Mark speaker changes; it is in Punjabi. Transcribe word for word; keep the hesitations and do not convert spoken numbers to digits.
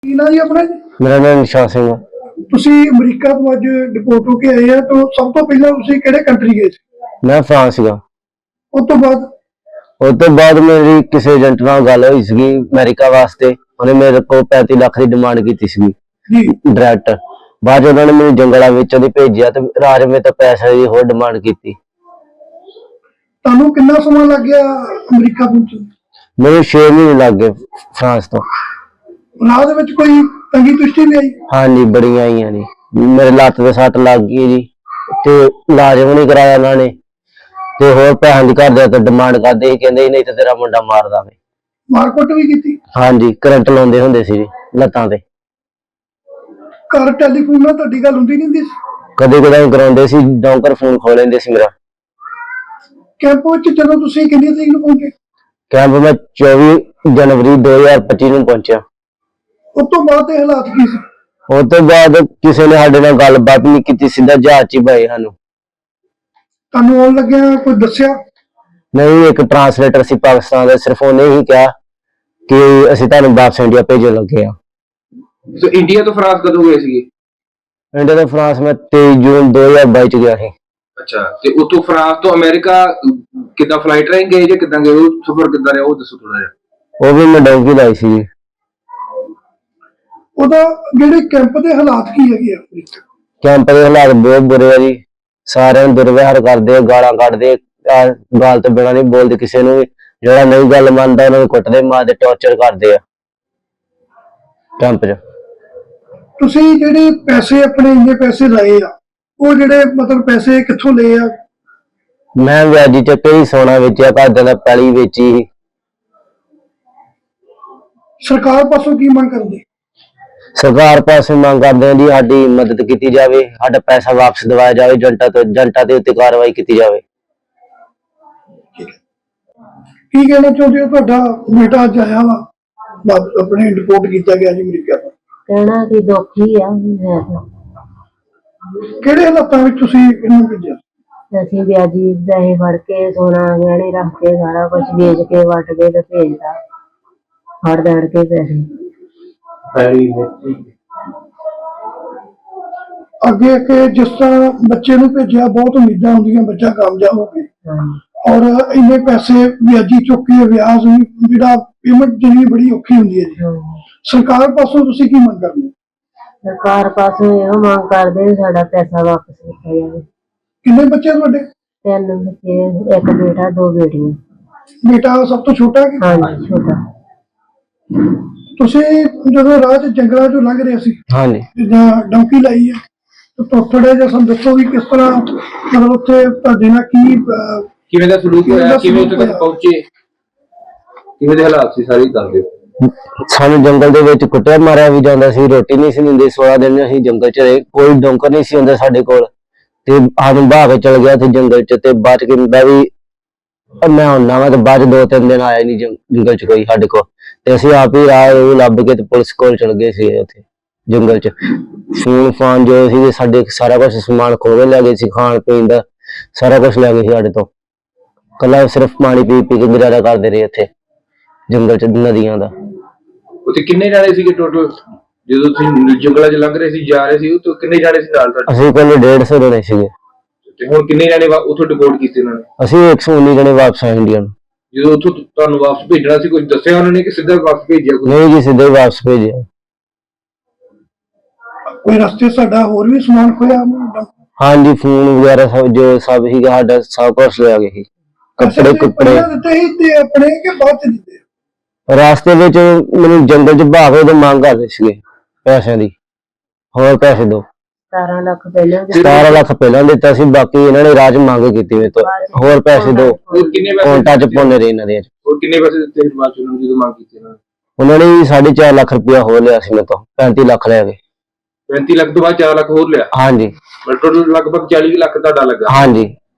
Speaker 1: ਕੀ ਨਾਂ ਜੀ ਆਪਣਾ ਜੀ?
Speaker 2: मेरा नाम निशा सिंह है।
Speaker 1: ਤੁਸੀਂ ਅਮਰੀਕਾ ਤੋਂ ਅੱਜ ਡਿਪੋਰਟ ਹੋ ਕੇ ਆਏ ਆ ਤਾਂ ਸਭ ਤੋਂ ਪਹਿਲਾਂ ਤੁਸੀਂ ਕਿਹੜੇ ਕੰਟਰੀ ਗਏ ਸੀ?
Speaker 2: मैं फ्रांस गा।
Speaker 1: ਉਸ ਤੋਂ ਬਾਅਦ
Speaker 2: उस तो बाद मेरी किसी एजेंट नाल गल होई सी अमेरिका वास्ते, उन्हें मेरे को पैंती लाख की डिमांड की सी
Speaker 1: ਜੀ
Speaker 2: डायरैक्ट। बाद उन्होंने मैंने जंगलों विच भेजा तो राज में तो पैसे की होर डिमांड की।
Speaker 1: ਤੁਹਾਨੂੰ ਕਿੰਨਾ ਸਮਾਂ ਲੱਗ ਗਿਆ ਅਮਰੀਕਾ ਪਹੁੰਚਣ?
Speaker 2: मेरे छे महीने लग गए फ्रांस तो।
Speaker 1: ਰਾਹ ਦੇ ਵਿੱਚ ਕੋਈ ਤੰਗੀ ਤੁਸ਼ਟੀ ਵੀ ਆਈ?
Speaker 2: हाँ जी बड़ी आई जी, मेरे लत्त ते सट लग गई जी, ते इलाज भी नहीं कराया उन्होंने, ते होर पैसों की घर दे डिमांड करते ही, कहंदे नहीं तो तेरा मुंडा मार दांगे।
Speaker 1: ਮਾਰਕੁੱਟ ਵੀ ਕੀਤੀ?
Speaker 2: हाँ जी करंट लाउंदे हुंदे सी लत्तां ते।
Speaker 1: ਘਰ ਟੈਲੀਫੋਨ ਨਾਲ ਤੁਹਾਡੀ ਗੱਲ ਹੁੰਦੀ ਨਹੀਂ ਹੁੰਦੀ ਸੀ?
Speaker 2: कदे कदाई कराउंदे सी, डॉक्टर फोन खो लेंदे सी मेरा।
Speaker 1: ਕੈਂਪ ਵਿੱਚ ਜਦੋਂ ਤੁਸੀਂ ਕਿੰਨੀ ਤਰੀਕ ਨੂੰ ਪਹੁੰਚੇ?
Speaker 2: कैंप में चौबी जनवरी दो हजार पच्ची ਨੂੰ पहुंचा।
Speaker 1: ਉਸ ਤੋਂ ਬਾਅਦ ਦੇ ਹਾਲਾਤ ਕੀ ਸੀ?
Speaker 2: उस तो बाद किसी ने साडे नाल गलबात नहीं की, सीधा जहाज च पाए सानू।
Speaker 1: ਤੁਹਾਨੂੰ ਆਉਣ ਲੱਗਿਆ ਕੋਈ ਦੱਸਿਆ?
Speaker 2: नहीं, एक ट्रांसलेटर सी पाकिस्तान का, सिर्फ उन्हें ही कहा कि असीं तुहानूं वापस इंडिया भेजण लगे आ।
Speaker 3: तो इंडिया तो फ्रांस कदों गए सी?
Speaker 2: इंडिया तो फ्रांस में तेईस जून दो हजार बाई च गया ਸੀ।
Speaker 3: अच्छा, ਤੇ ਉਤੋਂ ਫਰਾਂਸ ਤੋਂ ਅਮਰੀਕਾ ਕਿੱਦਾਂ ਫਲਾਈਟ ਰਾਹੀਂ ਗਏ ਜਾਂ ਕਿੱਦਾਂ ਗਏ? ਉਹ ਸਫ਼ਰ ਕਿੱਦਾਂ ਰਿਹਾ ਉਹ ਦੱਸੋ ਥੋੜਾ ਜਿਹਾ।
Speaker 2: ਉਹ ਵੀ ਮੈਂ ਡੌਂਕੀ ਲਾਈ ਸੀ।
Speaker 1: ਉਹਦਾ ਜਿਹੜੇ ਕੈਂਪ ਦੇ ਹਾਲਾਤ ਕੀ ਹੈਗੇ ਆ?
Speaker 2: ਕੈਂਪ ਦੇ ਹਾਲਾਤ ਬਹੁਤ ਬੁਰੇ ਆ ਜੀ, ਸਾਰਿਆਂ ਨੂੰ ਦੁਰਵਿਹਾਰ ਕਰਦੇ, ਗਾਲਾਂ ਕੱਢਦੇ, ਗਾਲ ਤੋਂ ਬਿਨਾਂ ਨਹੀਂ ਬੋਲਦੇ ਕਿਸੇ ਨੂੰ ਵੀ। ਜਿਹੜਾ ਨਹੀਂ ਗੱਲ ਮੰਨਦਾ ਉਹਨਾਂ ਨੂੰ ਕੁੱਟਦੇ, ਮਾਰਦੇ, ਟੌਰਚਰ ਕਰਦੇ ਆ ਕੈਂਪ 'ਚ।
Speaker 1: ਤੁਸੀਂ ਜਿਹੜੇ ਪੈਸੇ ਆਪਣੇ ਇੰਨੇ ਪੈਸੇ ਲਾਏ ਆ, ਉਹ ਜਿਹੜੇ ਮਤਲਬ ਪੈਸੇ ਕਿੱਥੋਂ ਲਏ ਆ?
Speaker 2: ਮੈਂ ਵਿਆਜੀ ਚੱਕੇ ਹੀ ਸੋਨਾ ਵੇਚਿਆ, ਘਰਦਿਆਂ ਦਾ ਪੈਲੀ ਵੇਚੀ ਸੀ।
Speaker 1: ਸਰਕਾਰ ਪਾਸੋਂ ਕੀ ਮੰਗ ਕਰਦੇ?
Speaker 2: ਸਰਕਾਰ ਪਾਸੋਂ ਮੰਗ ਕਰਦੇ ਆ ਜੀ ਸਾਡੀ ਮਦਦ ਕੀਤੀ ਜਾਵੇ, ਸਾਡਾ ਪੈਸਾ ਵਾਪਸ ਦਿਵਾਇਆ ਜਾਵੇ, ਜੰਟਾ ਤੋਂ ਜੰਟਾ ਦੇ ਉੱਤੇ ਕਾਰਵਾਈ ਕੀਤੀ ਜਾਵੇ।
Speaker 1: ਕੀ ਕਹਿਣਾ ਚਾਹੁੰਦੇ ਹੋ? ਤੁਹਾਡਾ ਬੇਟਾ ਅੱਜ ਆਇਆ ਵਾ, ਵਾਪਸ ਆਪਣੇ ਰਿਪੋਰਟ ਕੀਤਾ ਗਿਆ ਜੀ ਅਮਰੀਕਾ ਤੋਂ।
Speaker 4: ਕਹਿਣਾ ਕਿ ਦੁੱਖ ਹੀ ਆ ਹੈ ਤਾਂ।
Speaker 1: ਕਿਹੜੇ ਹਾਲਾਤਾਂ ਵਿੱਚ ਤੁਸੀਂ ਇਹਨੂੰ ਭੇਜਿਆ?
Speaker 4: ਅਸੀਂ ਵਿਆਜੀ ਪੈਸੇ ਫੜ ਕੇ ਸੋਨਾ ਗਹਿਣੇ ਰੱਖ ਕੇ ਸਾਰਾ ਕੁਝ ਵੇਚ ਕੇ ਵੱਟ ਕੇ ਤੇ ਭੇਜਦਾ, ਫੜ ਦੜ ਕੇ ਪੈਸੇ।
Speaker 1: ਅੱਗੇ ਕਿ ਜਿਸ ਤਰ੍ਹਾਂ ਬੱਚੇ ਨੂੰ ਭੇਜਿਆ, ਬਹੁਤ ਉਮੀਦਾਂ ਹੁੰਦੀਆਂ ਬੱਚਾ ਕਾਮਯਾਬ ਹੋਵੇ, ਔਰ ਇੰਨੇ ਪੈਸੇ ਵਿਆਜੀ ਚੁੱਕ ਕੇ ਵਿਆਜ ਵੀ ਜਿਹੜਾ ਪੇਮੈਂਟ ਜਿਹੜੀ ਬੜੀ ਔਖੀ ਹੁੰਦੀ ਹੈ ਜੀ। ਸਰਕਾਰ ਪਾਸੋਂ ਤੁਸੀਂ ਕੀ ਮੰਗ ਕਰਦੇ?
Speaker 4: ਸਰਕਾਰ ਪਾਸੋਂ ਇਹੋ ਮੰਗ ਕਰਦੇ ਵੀ ਸਾਡਾ ਪੈਸਾ ਵਾਪਸ ਕੀਤਾ ਜਾਵੇ।
Speaker 1: ਕਿੰਨੇ ਬੱਚੇ ਤੁਹਾਡੇ?
Speaker 4: ਤਿੰਨ ਬੱਚੇ, ਇੱਕ ਬੇਟਾ ਦੋ ਬੇਟੀਆਂ।
Speaker 1: ਬੇਟਾ ਸਭ ਤੋਂ ਛੋਟਾ ਕਿ?
Speaker 4: ਹਾਂਜੀ ਛੋਟਾ।
Speaker 1: ਤੁਸੀਂ ਜਦੋਂ ਰਾਹ 'ਚ ਜੰਗਲਾਂ 'ਚੋਂ ਲੰਘ ਰਹੇ ਸੀ,
Speaker 2: ਹਾਂਜੀ
Speaker 1: ਜਿੱਦਾਂ ਡੌਂਕੀ ਲਾਈ ਆ, ਤਾਂ ਥੋੜਾ ਜਿਹਾ ਸਾਨੂੰ ਦੱਸੋ ਵੀ ਕਿਸ ਤਰ੍ਹਾਂ ਮਤਲਬ ਉੱਥੇ ਤੁਹਾਡੇ ਨਾਲ ਕੀ ਅਹ,
Speaker 3: ਕਿਵੇਂ ਦਾ ਸਲੂਕ
Speaker 1: ਕਿਵੇਂ ਦਾ
Speaker 3: ਹੋਇਆ, ਕਿਵੇਂ ਉੱਥੇ
Speaker 1: ਸਲੂਕ
Speaker 3: ਤੱਕ ਪਹੁੰਚੇ, ਕਿਵੇਂ ਦੇ ਹਾਲਾਤ ਸੀ, ਸਾਰੀ ਗੱਲ ਦਿਓ।
Speaker 2: ਸਾਨੂੰ ਜੰਗਲ ਦੇ ਵਿੱਚ ਕੁੱਟਿਆ ਮਾਰਿਆ ਵੀ ਜਾਂਦਾ ਸੀ, ਰੋਟੀ ਨਹੀਂ ਸੀ ਦਿੰਦੇ। ਸੋਲਾਂ ਦਿਨ ਅਸੀਂ ਜੰਗਲ 'ਚ ਰਹੇ, ਕੋਈ ਡੌਂਕਰ ਨਹੀਂ ਸੀ ਹੁੰਦਾ ਸਾਡੇ ਕੋਲ, ਤੇ ਸਾਨੂੰ ਬਾਹ ਕੇ ਚਲ ਗਿਆ ਤੇ ਜੰਗਲ 'ਚ। ਤੇ ਬਾਅਦ 'ਚ ਕਹਿੰਦਾ ਵੀ ਮੈਂ ਹੁੰਨਾ ਵਾ, ਤੇ ਬਾਅਦ 'ਚ ਦੋ ਤਿੰਨ ਦਿਨ ਆਇਆ ਨਹੀਂ ਜੰਗਲ 'ਚ ਕੋਈ ਸਾਡੇ ਕੋਲ, ਤੇ ਅਸੀਂ ਆਪ ਹੀ ਰਾਹ ਲੱਭ ਕੇ ਤੇ ਪੁਲਿਸ ਕੋਲ ਚਲ ਗਏ ਸੀ ਉੱਥੇ ਜੰਗਲ 'ਚ। ਫੋਨ ਫਾਨ ਜੋ ਸੀ ਸਾਡੇ ਸਾਰਾ ਕੁਛ ਸਮਾਨ ਖੋਹ ਕੇ ਲੈ ਗਏ ਸੀ, ਖਾਣ ਪੀਣ ਦਾ ਸਾਰਾ ਕੁਛ ਲੈ ਗਏ ਸੀ ਸਾਡੇ ਤੋਂ। ਕੱਲਾ ਸਿਰਫ ਪਾਣੀ ਪੀ ਪੀ ਕੇ ਗੁਜ਼ਾਰਾ ਕਰਦੇ ਰਹੇ ਇੱਥੇ ਜੰਗਲ 'ਚ, ਨਦੀਆਂ ਦਾ।
Speaker 3: ਉੱਥੇ ਕਿੰਨੇ ਜਾਣੇ ਸੀਗੇ ਟੋਟਲ ਜਦੋਂ ਤੁਸੀਂ ਜੰਗਲਾਂ 'ਚ ਲੰਘ ਰਹੇ ਸੀ, ਜਾ ਰਹੇ ਸੀ? ਉੱਥੇ ਕਿੰਨੇ ਜਾਣੇ ਸੀ ਨਾਲ ਤੁਹਾਡੇ?
Speaker 2: ਅਸੀਂ ਪਹਿਲੇ ਡੇਢ ਸੌ ਜਣੇ ਸੀਗੇ,
Speaker 3: ਤੇ ਹੁਣ ਕਿੰਨੇ ਜਾਣੇ ਉੱਥੋਂ ਡਿਪੋਰਟ ਕੀਤੇ ਉਹਨਾਂ ਨੇ?
Speaker 2: ਅਸੀਂ ਇੱਕ ਸੌ ਉੱਨੀ ਜਣੇ ਵਾਪਸ ਆਏ ਇੰਡੀਆ ਨੂੰ।
Speaker 3: ਜਦੋਂ ਉੱਥੋਂ ਤੁਹਾਨੂੰ ਵਾਪਸ ਭੇਜਣਾ ਸੀ, ਕੁਝ ਦੱਸਿਆ ਉਹਨਾਂ ਨੇ ਕਿ ਸਿੱਧਾ ਵਾਪਸ ਭੇਜਿਆ?
Speaker 2: ਨਹੀਂ ਜੀ, ਸਿੱਧੇ ਵਾਪਸ ਭੇਜਿਆ।
Speaker 1: ਕੋਈ ਰਸਤੇ ਸਾਡਾ ਹੋਰ ਵੀ ਸਮਾਨ ਖੋਇਆ?
Speaker 2: ਹਾਂਜੀ ਫੋਨ ਵਗੈਰਾ ਸਭ ਜੋ ਸਭ ਸੀਗਾ ਸਾਡਾ ਸਭ ਕੁਛ ਲੈ ਗਏ ਸੀ, ਕੱਪੜੇ ਕੁੱਪੜੇ।
Speaker 1: ਦਿੱਤੇ ਸੀ ਤੇ ਆਪਣੇ ਕਿ ਬਾਅਦ 'ਚ ਦਿੱਤੇ?
Speaker 2: ਰਾਸਤੇ ਵਿੱਚ ਮੈਨੂੰ ਜੰਗਲ 'ਚ ਭਾਵੇਂ ਤੇ ਮੰਗ ਕਰਦੇ ਸੀਗੇ ਪੈਸਿਆਂ ਦੀ, ਹੋਰ ਪੈਸੇ ਦੋ।
Speaker 4: ਸਤਾਰਾਂ ਲੱਖ ਪਹਿਲਾਂ
Speaker 2: ਸਤਾਰਾਂ ਲੱਖ ਪਹਿਲਾਂ ਦਿੱਤਾ ਸੀ, ਬਾਕੀ ਇਹਨਾਂ ਨੇ ਰਾਜ ਮੰਗ ਕੀਤੀ ਮੇਰੇ ਤੋਂ, ਹੋਰ ਪੈਸੇ ਦੋ।
Speaker 3: ਹੋਰ ਕਿੰਨੇ ਪੈਸੇ
Speaker 2: ਕੌਂਟਾ 'ਚ ਪਾਉਂਦੇ ਰਹੇ ਇਹਨਾਂ ਦੇ।
Speaker 3: ਹੋਰ ਕਿੰਨੇ ਪੈਸੇ ਦਿੱਤੇ ਫਿਰ ਬਾਅਦ 'ਚ ਉਹਨਾਂ ਨੂੰ ਜਦੋਂ ਮੰਗ ਕੀਤੀ ਉਹਨਾਂ ਨੇ?
Speaker 2: ਉਹਨਾਂ ਨੇ ਸਾਢੇ ਚਾਰ ਲੱਖ ਰੁਪਇਆ ਹੋਰ ਲਿਆ ਸੀ ਮੇਰੇ ਤੋਂ, ਪੈਂਤੀ ਲੱਖ ਲੈ ਗਏ।
Speaker 3: ਪੈਂਤੀ ਲੱਖ ਤੋਂ ਬਾਅਦ ਚਾਰ ਲੱਖ ਹੋਰ ਲਿਆ?
Speaker 2: ਹਾਂਜੀ
Speaker 3: ਟੋਟਲ ਲਗਭਗ ਚਾਲੀ ਲੱਖ ਤੁਹਾਡਾ ਲੱਗਾ?
Speaker 2: ਹਾਂਜੀ।